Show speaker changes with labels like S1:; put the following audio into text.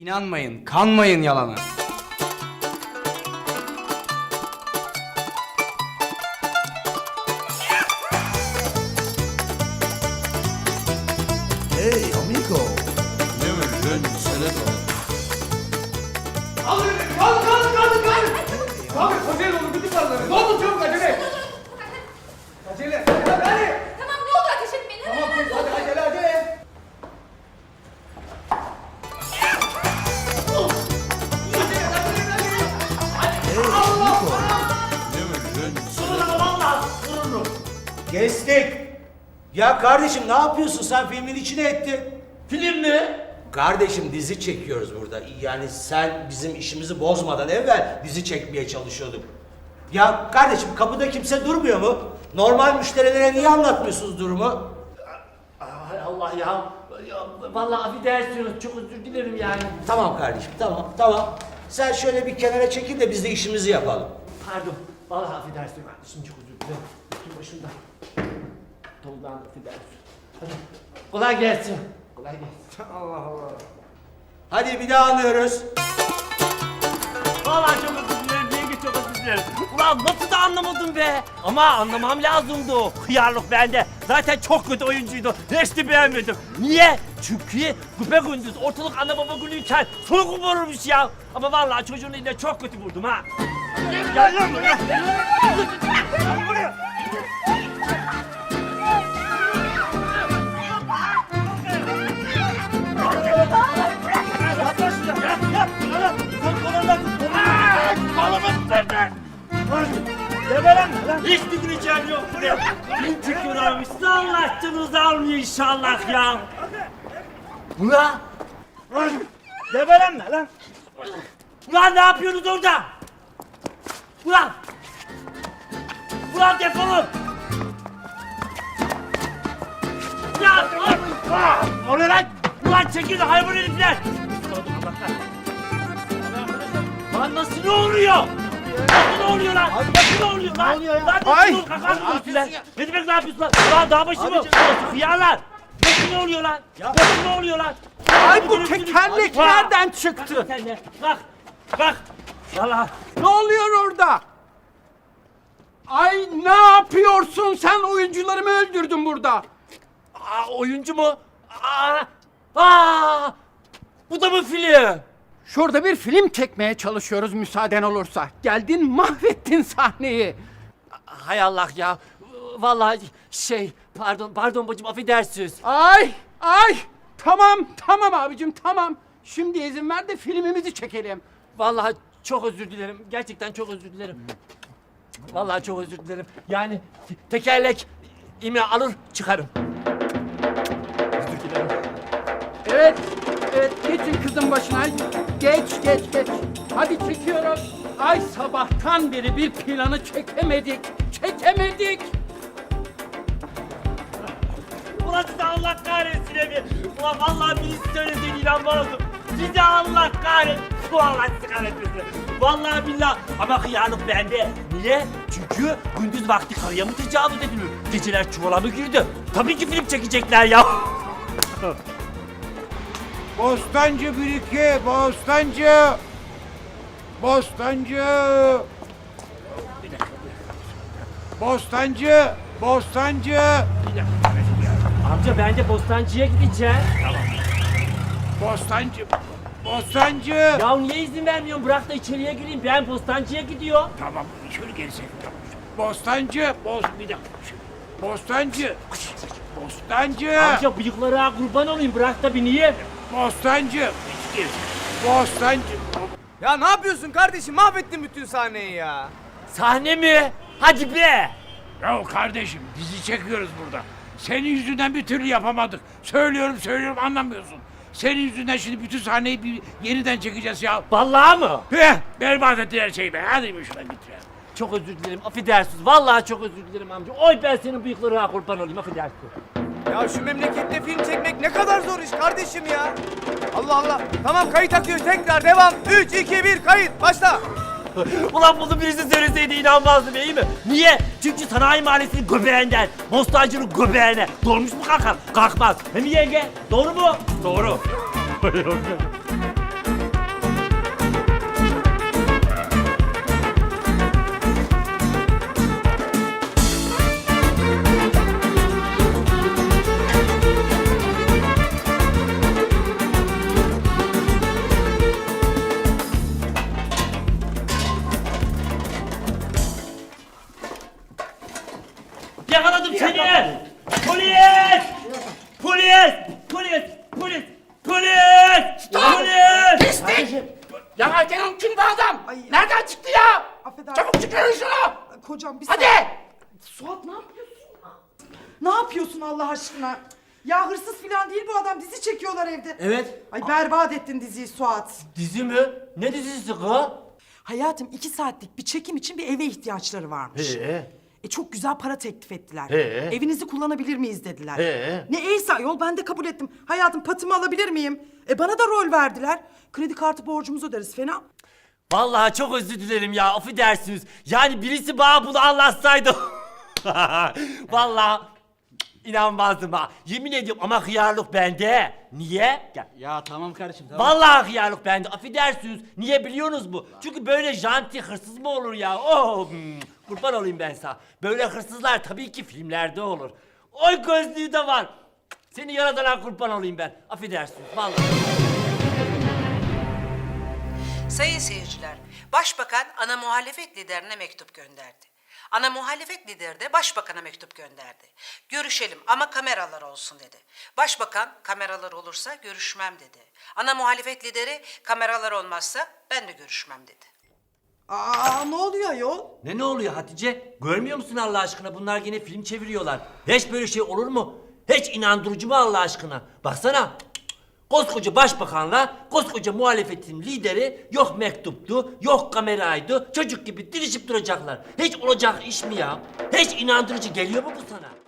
S1: İnanmayın, kanmayın yalana.
S2: Hey amigo.
S1: Abi acele olun, bütün paraları. Ne oldu çabuk acele. Acele. Hadi.
S3: Tamam ne olur ateş etmeyin. Hemen
S1: Tamam
S3: hemen.
S1: hadi acele.
S2: Kestik. Ya kardeşim ne yapıyorsun sen filmin içine ettin?
S4: Film mi?
S2: Kardeşim dizi çekiyoruz burada. Yani sen bizim işimizi bozmadan evvel dizi çekmeye çalışıyorduk. Ya kardeşim kapıda kimse durmuyor mu? Normal müşterilere niye anlatmıyorsunuz durumu?
S4: Hay Allah ya. Vallahi affedersiniz, çok özür dilerim yani.
S2: Tamam kardeşim tamam. Sen şöyle bir kenara çekil de biz de işimizi yapalım.
S4: Pardon, vallahi affedersin kardeşim, çok özür dilerim. Üstüm başımda. Toldan affedersin. Hadi, kolay gelsin. Kolay gelsin.
S2: Hadi bir daha alıyoruz.
S4: Vallahi çok özür dilerim, yenge çok özür dilerim. Ulan nasıl da anlamadım be. Ama anlamam lazımdı o. Hıyarlık bende. Zaten çok kötü oyuncuydu. Hiç de beğenmedim. Niye? Çünkü gündüz ortalık ana baba günüyken soygun vururmuş ya. Ama vallahi çocuğun eline çok kötü vurdum ha. Gel lan buraya. Gel buraya. Yaklaş şuraya. Yap. Sen kolundan tut. Kolumu tutun. Geberim lan. Hiçbir güleceğim yok buraya. Bin çıkıyorlarmış. Allah canınızı almıyor inşallah ya. Ulan. Geberim lan. Ulan ne yapıyorsunuz orada? Ulan. Ulan defolun. Ulan. O ne lan? Ulan çekil hayvan herifler. Lan nasıl ne oluyor? Nasıl ne oluyor lan? Nasıl ne oluyor lan? Ne oluyor ya? Lan nasıl ne oluyor? Kalkar lan? Ne demek ne yapıyorsun lan? Lan dağ başı mı? Hıyarlar. Nasıl ne oluyor lan? Nasıl ne oluyor lan?
S5: Ay bu tekerlek nereden çıktı?
S4: Sen de. Kalk. Valla.
S5: Ne oluyor orada? Ay ne yapıyorsun sen? Oyuncularımı öldürdün burada.
S4: Oyuncu mu? Bu da mı film?
S5: Şurada bir film çekmeye çalışıyoruz müsaaden olursa. Geldin mahvettin sahneyi.
S4: Hay Allah ya. Vallahi pardon bacım affedersiniz.
S5: Ay tamam abicim tamam. Şimdi izin ver de filmimizi çekelim.
S4: Vallahi çok özür dilerim. Gerçekten çok özür dilerim. Vallahi çok özür dilerim. Yani tekerlek imi alır çıkarım. Özür dilerim.
S5: Evet geçin kızın başına. Geç. Hadi çekiyoruz. Ay sabahtan beri bir planı çekemedik.
S4: Ulan size Allah kahretsin evi. Ulan vallahi birisi söyleseydi inanmazdım. Size Allah kahretsin. Allah sizi kahretmesin. Vallahi billahi. Ama hıyanlık bende. Niye? Çünkü gündüz vakti karıya mı tecavüz edilir? Geceler çuvala mı girdi? Tabii ki film çekecekler ya.
S6: Bostancı 1-2, Bostancı.
S4: Amca ben de Bostancı'ya gideceğim.
S6: Bostancı.
S4: Ya niye izin vermiyorsun? Bırak da içeriye gireyim. Ben Bostancı'ya gidiyorum.
S6: Tamam, şöyle gerisek. Tamam. Bostancı.
S4: Amca bıyıklara kurban olayım. Bırak da bineyim.
S6: Bostancı.
S1: Ya ne yapıyorsun kardeşim? Mahvettin bütün sahneyi ya.
S4: Sahne mi? Hadi be.
S6: Ya kardeşim dizi çekiyoruz burada. Senin yüzünden bir türlü yapamadık. Söylüyorum anlamıyorsun. Senin yüzünden şimdi bütün sahneyi yeniden çekeceğiz ya.
S4: Vallahi mı?
S6: Berbat ettin her şeyi be. Hadi şuradan bitirelim.
S4: Çok özür dilerim. Affedersiniz. Vallahi çok özür dilerim amca. Oy ben senin bıyıklarına kurban olayım. Affedersin.
S1: Ya şu memlekette film çekmek ne kadar zor iş kardeşim ya. Allah. Tamam kayıt akıyor tekrar devam. 3, 2, 1 kayıt başla.
S4: Ulan bunu birisi söyleseydi inanmazdım iyi mi? Niye? Çünkü sanayi mahallesinin göbeğinden, Bostancı'nın göbeğine dolmuş mu kalkar? Kalkmaz. Hem yenge? Doğru mu? Doğru.
S7: kocam bir
S6: Hadi!
S7: Suat ne yapıyorsun? Ne yapıyorsun Allah aşkına? Ya hırsız falan değil bu adam. Dizi çekiyorlar evde.
S4: Evet.
S7: Ay berbat ettin diziyi Suat.
S4: Dizi mi? Ne dizisi kız?
S7: Hayatım 2 saatlik bir çekim için bir eve ihtiyaçları varmış. Çok güzel para teklif ettiler. Evinizi kullanabilir miyiz dediler. Ne eyse yol ben de kabul ettim. Hayatım patımı alabilir miyim? Bana da rol verdiler. Kredi kartı borcumuzu öderiz fena.
S4: Vallahi çok özür dilerim ya, affedersiniz. Yani birisi bana bunu anlatsaydı. Vallahi inanmazdım ha. Yemin ediyorum ama hıyarlık bende. Niye? Gel.
S8: Ya tamam kardeşim tamam.
S4: Vallahi hıyarlık bende. Affedersiniz. Niye biliyorsunuz mu? Çünkü böyle janti hırsız mı olur ya? Oh, kurban olayım ben sana. Böyle hırsızlar tabii ki filmlerde olur. Oy gözlüğü de var. Seni yaradana kurban olayım ben. Affedersiniz vallahi.
S9: Sayın seyirciler, Başbakan ana muhalefet liderine mektup gönderdi. Ana muhalefet lideri de Başbakan'a mektup gönderdi. Görüşelim ama kameralar olsun dedi. Başbakan kameralar olursa görüşmem dedi. Ana muhalefet lideri kameralar olmazsa ben de görüşmem dedi.
S7: Aa ne oluyor yol?
S4: Ne oluyor Hatice? Görmüyor musun Allah aşkına? Bunlar yine film çeviriyorlar. Hiç böyle şey olur mu? Hiç inandırıcı mı Allah aşkına? Baksana. Koskoca başbakanla koskoca muhalefetin lideri yok mektuptu, yok kameraydı. Çocuk gibi dirişip duracaklar. Hiç olacak iş mi ya? Hiç inandırıcı geliyor mu bu sana?